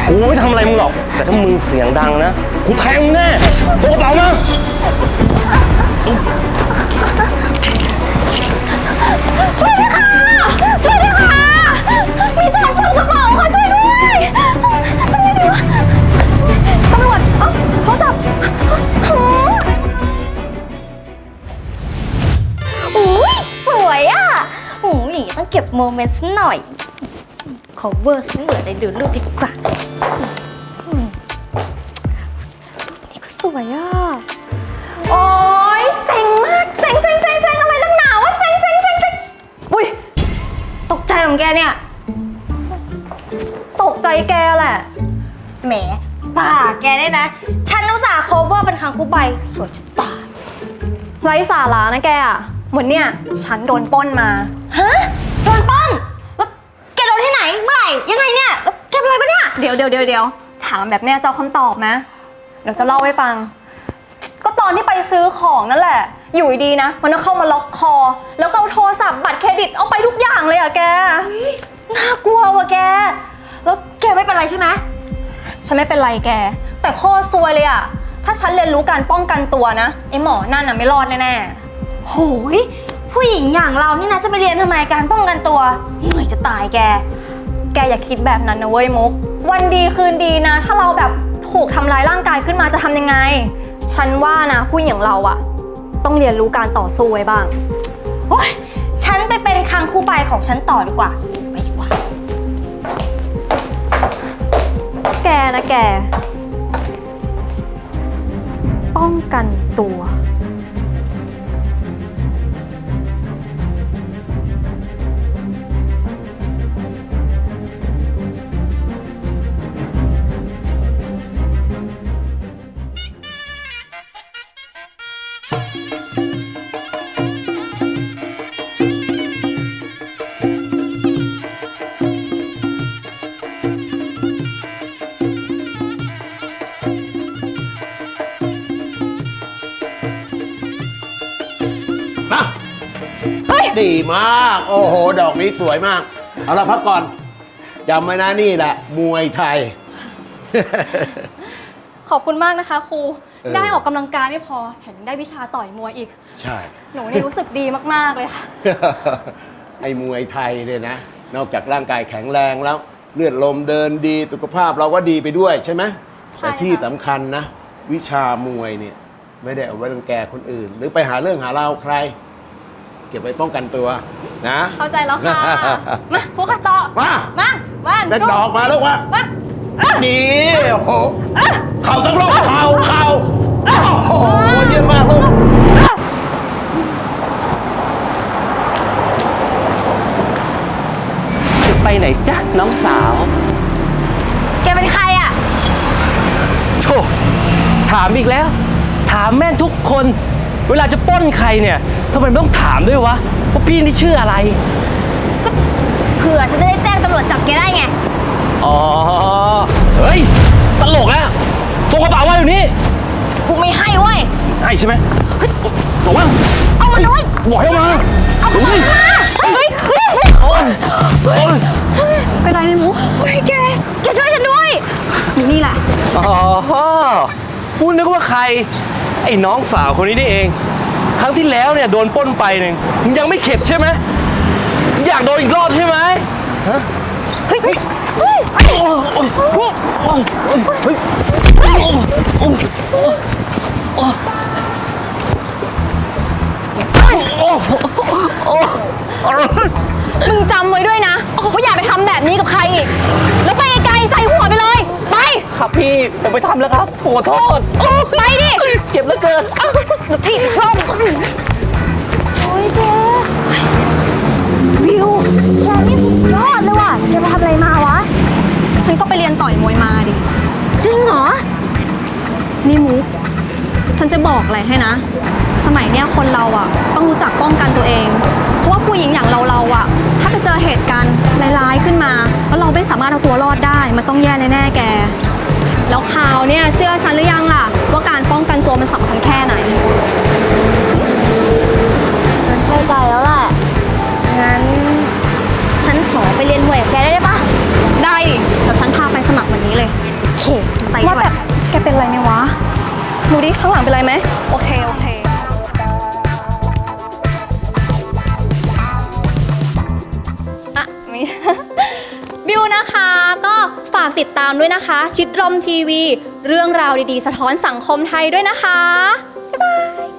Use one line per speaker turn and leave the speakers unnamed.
กูไม่ทำอะไรมึงหรอกแต่ถ้ามึงเสียงดังนะกูแทงมึงแน่ตัวกระเป๋ามา
ช่วยด้วยค่ะช่วยด้วยค่ะมีโจรฉกกระเป๋าค่ะช่วยด้วยทำไงดีวะตำรวจโทรศัพท์อุ้ยสวยอ่ะอย่างนี้ต้องเก็บโมเมนต์สักหน่อย cover สักเหมือนในดูรูปดีกว่านี่ก็สวยอ่ะโอ๊ยเซ็งมากเซ็งอะไรนักหนาวะเซ็งอุ้ยตกใจของแกเนี่ยตกใจแกแหละแหมป่าแกได้นะฉันอุตส่าห์ cover เป็นครั้งคู่ใบสวยจะตายไร้สาระนะแกอะเหมือนเนี่ยฉันโดนปล้นมาฮะโดนปล้นแล้วแกโดนที่ไหนเมื่อไหร่ยังไงเนี่ยแล้วแกเป็นอะไรปะเนี่ยเดี๋ยวถามแบบเนี้ยเจ้าคำตอบนะเดี๋ยวจะเล่าให้ฟังก็ตอนที่ไปซื้อของนั่นแหละอยู่ดีนะมันก็เข้ามาล็อกคอแล้วก็เอาโทรศัพท์บัตรเครดิตเอาไปทุกอย่างเลยอะแกน่ากลัวว่ะแกแล้วแกไม่เป็นไรใช่ไหมฉันไม่เป็นไรแกแต่ข้อซวยเลยอะถ้าฉันเรียนรู้การป้องกันตัวนะไอ้หมอนั่นน่ะไม่รอดแน่ๆโหยผู้หญิงอย่างเรานี่นะจะไปเรียนทำไมการป้องกันตัวเหนื่อยจะตายแกอย่าคิดแบบนั้นนะเว้ยมุกวันดีคืนดีนะถ้าเราแบบถูกทำร้ายร่างกายขึ้นมาจะทำยังไงฉันว่านะผู้หญิงอย่างเราอะต้องเรียนรู้การต่อสู้ไว้บ้างโอ๊ยฉันไปเป็นคังคู่ใบของฉันต่อดีกว่าไปดีกว่าแกนะแกป้องกันตัว
ดีมากโอ้โหดอกนี้สวยมากเอาละพักก่อนจำไว้นะนี่แหละมวยไทย
ขอบคุณมากนะคะครูได้ออกกำลังกายไม่พอแถมยังได้วิชาต่อยมวยอีก
ใช่
หนูนี่รู้สึกดีมากๆเลยค่ะ
ไอ้มวยไทยเนี่ยนะนอกจากร่างกายแข็งแรงแล้วเลือดลมเดินดีสุขภาพเราก็ดีไปด้วยใช่ไหม
ใช่
แต่ที่สำคัญนะวิชามวยเนี่ยไม่ได้เอาไว้รังแกคนอื่น หรือไปหาเรื่องหาราวใครเก็บไว้ป้องกันตัวนะ
เข้าใจแล้วค่ะมาพวกข้าต่อมา
เล่นดอกมาลูกมานี่โอ้โหเข่าทั้งโลกเข่าโอ้โหเยี่ยมมากลูก
จะไปไหนจ๊ะน้องสาว
แกเป็นใครอ่ะ
โธ่ถามอีกแล้วถามแม่ทุกคนเวลาจะปล้นใครเนี่ยทำไมต้องถามด้วยวะว่าพี่นี่ชื่ออะไร
ก็เผื่อฉันจะได้แจ้งตำรวจจับแกได้ไง
อ๋อเฮ้ยตลกแล้วส่งกระเป๋ามาอยู่นี่
กูไม่ให้เว้ย
ให้ใช่ไหมส่งมา
เอามาด้วย
บอกให้มา
เอามาเป็นไรเนี่ยมุกแกช่วยฉันด้วยอยู่นี่แหละ
อ๋อพูดนึกว่าใครไอ้น้องสาวคนนี้นี่เองครั้งที่แล้วเนี่ยโดนปล้นไปหนึ่งมึงยังไม่เข็ดใช่ไหมอยากโดนอีกรอบใช่ไหมฮะ
เฮ้ยมึงจำไว้ด้วยนะว่าอย่าไปทำแบบนี้กับใครอีกแล้วไปไกลใส่หัวไปเลยไป
ครับพี่อย่าไปทำแล้วครับขอโทษ
ไปดิ
เจ็บเหลือเกิน
ถีบพร่อมโอ้ยแกวิวแกนี่สุดยอดเลยว่ะแกไปทำอะไรมาวะฉันก็ไปเรียนต่อยมวยมาดิจริงเหรอนี่มุกฉันจะบอกอะไรให้นะสมัยเนี้ยคนเราอ่ะต้องรู้จักป้องกันตัวเองเพราะว่าผู้หญิงอย่างเราอ่ะถ้าไปเจอเหตุการณ์ร้ายๆขึ้นมาแล้วเราไม่สามารถเอาตัวรอดได้มันต้องแย่แน่ๆแกแล้วข่าวเนี่ยเชื่อฉันหรือยังล่ะว่าการป้องกันตัวมันสำคัญแค่ไหนฉันเข้าใจแล้วแหละงั้นฉันขอไปเรียนมวยกับแกได้ปะได้ดิแต่ฉันพาไปสมัครวันนี้เลยข้างหลังเป็นไรไหมโอเค อ่ะมี บิวนะคะก็ฝากติดตามด้วยนะคะ ชิดลมทีวี เรื่องราวดีๆ สะท้อนสังคมไทยด้วยนะคะ บ๊ายบาย